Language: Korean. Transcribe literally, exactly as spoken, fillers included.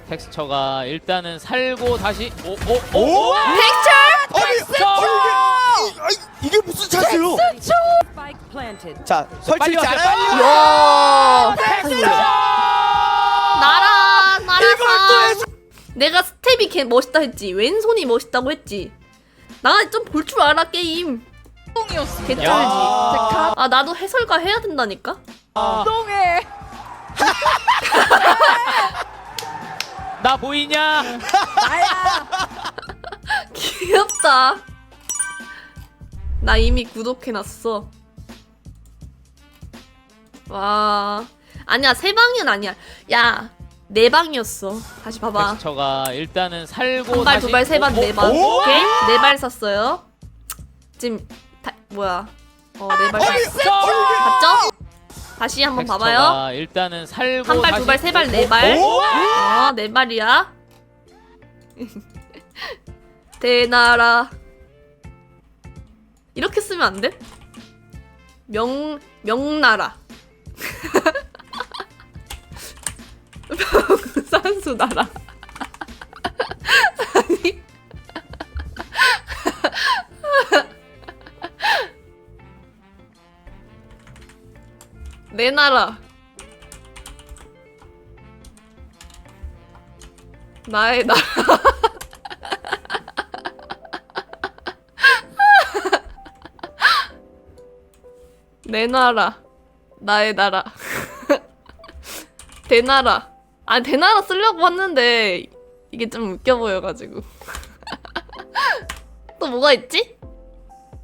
텍스처가 일단은 살고 다시 오오오 오! 텍스처! 아니, 텍스처! 아니, 이게, 아니, 이게 무슨 찬스요? Spike planted. 자, 빨리 설치지 왔어요, 않아요? 야 텍스처! 나라 나라 이걸 또 해서 내가 스텝이 개 멋있다 했지. 왼손이 멋있다고 했지. 나 좀 볼 줄 알아 게임. 똥이었어. 개쩔지. 야. 아 나도 해설가 해야 된다니까. 똥해. 나 보이냐? 나야. 귀엽다. 나 이미 구독해놨어. 와 아니야 세 방은 아니야. 야 네 방이었어. 다시 봐봐. 텍스처가 일단은 살고 한 발, 다시 두 발, 세 발, 네 발. 오! 오케이? 네 발 샀어요. 지금 다, 뭐야? 어, 네 발 샀어. 텍스처! 봤죠? 다시 한번 봐봐요. 텍스처가 일단은 살고 한 발, 두 다시 발, 세 발, 네 발. 오! 어, 네 발이야. 대나라. 이렇게 쓰면 안 돼? 명 명나라. 산수나라. 아니. 내 나라. 나의 나라. 내 나라. 나의 나라. 대나라. 아, 대나라 쓰려고 했는데 이게 좀 웃겨 보여가지고. 또 뭐가 있지?